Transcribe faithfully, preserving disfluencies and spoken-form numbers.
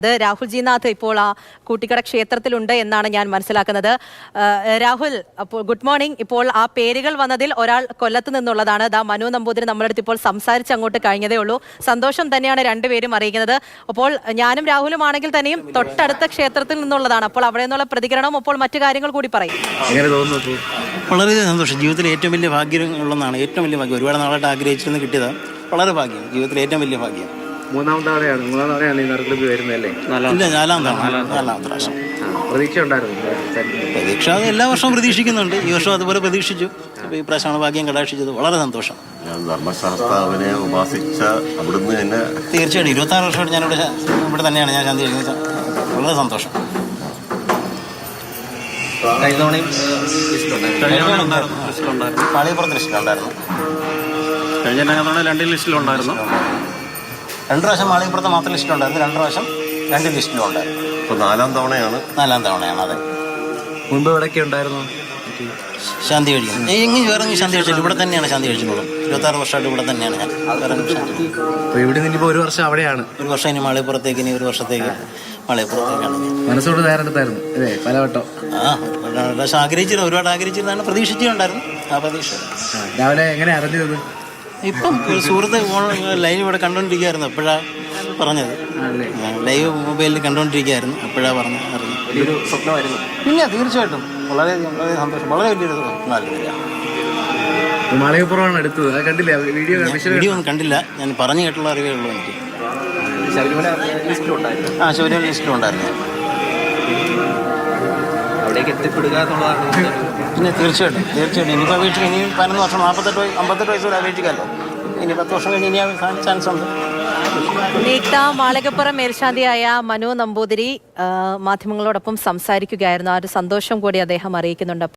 ഇത് രാഹുൽ ജിനാഥ് ഇപ്പോൾ ആ കൂട്ടിക്കട ക്ഷേത്രത്തിലുണ്ട് എന്നാണ് ഞാൻ മനസ്സിലാക്കുന്നത്. രാഹുൽ, അപ്പോൾ ഗുഡ് മോർണിംഗ്. ഇപ്പോൾ ആ പേരുകൾ വന്നതിൽ ഒരാൾ കൊല്ലത്ത് നിന്നുള്ളതാണ്. ദാ മനു നമ്പൂതിരി നമ്മളടുത്ത് ഇപ്പോൾ സംസാരിച്ച് അങ്ങോട്ട് കഴിഞ്ഞതേ ഉള്ളൂ. സന്തോഷം തന്നെയാണ് രണ്ടുപേരും അറിയിക്കുന്നത്. അപ്പോൾ ഞാനും രാഹുലും ആണെങ്കിൽ തന്നെയും തൊട്ടടുത്ത ക്ഷേത്രത്തിൽ നിന്നുള്ളതാണ്. അപ്പോൾ അവിടെ നിന്നുള്ള പ്രതികരണം, അപ്പോൾ മറ്റു കാര്യങ്ങൾ കൂടി പറയും. വളരെ സന്തോഷം. ജീവിതത്തിൽ ഏറ്റവും വലിയ ഭാഗ്യം ഉള്ളതാണ്. ഏറ്റവും വലിയ ഭാഗ്യം. ഒരുപാട് നാളായിട്ട് ആഗ്രഹിച്ചിരുന്ന് കിട്ടിയതാണ്. വളരെ ഭാഗ്യം. ജീവിതത്തിൽ ഏറ്റവും വലിയ ഭാഗ്യം. മൂന്നാം തവണയാണ് മൂന്നാം തവണയാണ് ഈ നറുക്കെടുപ്പ് വരുന്നതല്ലേ? ഇല്ല, നാലാം തവണ നാലാമത്തെ പ്രാവശ്യം. പ്രതീക്ഷ ഉണ്ടായിരുന്നു? പ്രതീക്ഷ അത് എല്ലാ വർഷവും പ്രതീക്ഷിക്കുന്നുണ്ട്. ഈ വർഷം അതുപോലെ പ്രതീക്ഷിച്ചു. അപ്പോൾ ഈ പ്രാവശ്യമാണ് ഭാഗ്യം കടാക്ഷിച്ചത്. വളരെ സന്തോഷം. ധർമ്മശാസ്താവിനെ ഉപാസിച്ച അവിടുന്ന് തന്നെ തീർച്ചയായിട്ടും ഇരുപത്തി ആറ് വർഷമായിട്ട് ഞാനിവിടെ ഇവിടെ തന്നെയാണ് ഞാൻ ശാന്തി കഴിക്കുന്നത്. വളരെ സന്തോഷം. പാളിയപ്പുറത്ത് ലിസ്റ്റിലുണ്ടായിരുന്നു. കഴിഞ്ഞ തവണ രണ്ട് ലിസ്റ്റിലുണ്ടായിരുന്നു. രണ്ട് പ്രാവശ്യം മാളികപ്പുറത്ത് മാത്രം ലിസ്റ്റിലുണ്ടായിരുന്നു. രണ്ട് പ്രാവശ്യം രണ്ട് ലിസ്റ്റിലും ഉണ്ടായിരുന്നു. ഇപ്പോൾ നാലാം തവണയാണ് നാലാം തവണയാണ്. അതെ. മുൻപ് ഇവിടെയൊക്കെ ഉണ്ടായിരുന്നു ശാന്തി കഴിക്കുന്നത്. എങ്ങനെ വേറെ ശാന്തി കഴിച്ചില്ല. ഇവിടെ തന്നെയാണ് ശാന്തി കഴിച്ചിട്ടുള്ളത്. ഇരുപത്താറ് വർഷമായിട്ട് ഇവിടെ തന്നെയാണ് ഞാൻ. അപ്പോൾ ഇവിടെ നിന്നിപ്പോൾ ഒരു വർഷം അവിടെയാണ്. ഒരു വർഷം ഇനി മാളികപ്പുറത്തേക്ക്, ഇനി ഒരു വർഷത്തേക്ക് മാളികപ്പുറത്തേക്കാണ്. മനസ്സോട് തയ്യാറെടുത്തായിരുന്നു അല്ലേ? പലവട്ടം ആ പക്ഷെ ആഗ്രഹിച്ചിരുന്നു, ഒരുപാട് ആഗ്രഹിച്ചിരുന്നാണ്. പ്രതീക്ഷിച്ചിട്ടുണ്ടായിരുന്നു. ആ പ്രതീക്ഷ രാവിലെ എങ്ങനെ അറിഞ്ഞത്? ഇപ്പം ഒരു സുഹൃത്ത് ലൈവ് ഇവിടെ കണ്ടുകൊണ്ടിരിക്കുകയായിരുന്നു. എപ്പോഴാണ് പറഞ്ഞത്? ലൈവ് മൊബൈലിൽ കണ്ടുകൊണ്ടിരിക്കുകയായിരുന്നു. എപ്പോഴാണ് പറഞ്ഞത് അറിഞ്ഞു. വലിയൊരു സ്വപ്നമായിരുന്നു. പിന്നെ തീർച്ചയായിട്ടും വളരെയധികം വളരെ സന്തോഷം. വളരെ വലിയൊരു സ്വപ്നമായിരുന്നു. മാളികപ്പുറമാണ് എടുത്തത്. അത് കണ്ടില്ല? വീഡിയോ വീഡിയോ ഒന്നും കണ്ടില്ല. ഞാൻ പറഞ്ഞു കേട്ടുള്ള അറിവേ ഉള്ളൂ എനിക്ക്. ശബരിമല ലിസ്റ്റിലുണ്ടായിരുന്നു. ആ ശബരിമല ലിസ്റ്റിലും ഉണ്ടായിരുന്നു. അവിടേക്ക് എത്തിപ്പെടുക എന്നുള്ളതാണ്. പിന്നെ തീർച്ചയായിട്ടും തീർച്ചയായിട്ടും ഇനിയിപ്പോൾ അപേക്ഷിക്കുക. ഇനി പതിനൊന്ന് വർഷം നാൽപ്പത്തെട്ട് വയസ്സ് അമ്പത്തെട്ട് വയസ്സ് വരെ അപേക്ഷിക്കാമല്ലോ. ഇനി പത്ത് വർഷം കഴിഞ്ഞ് ഇനി ചാൻസ് ഉണ്ട്. നീക്ത മാളികപ്പുറം മേൽശാന്തിയായ മനു നമ്പൂതിരി മാധ്യമങ്ങളോടൊപ്പം സംസാരിക്കുകയായിരുന്നു. ആ ഒരു സന്തോഷം കൂടി അദ്ദേഹം അറിയിക്കുന്നുണ്ട്.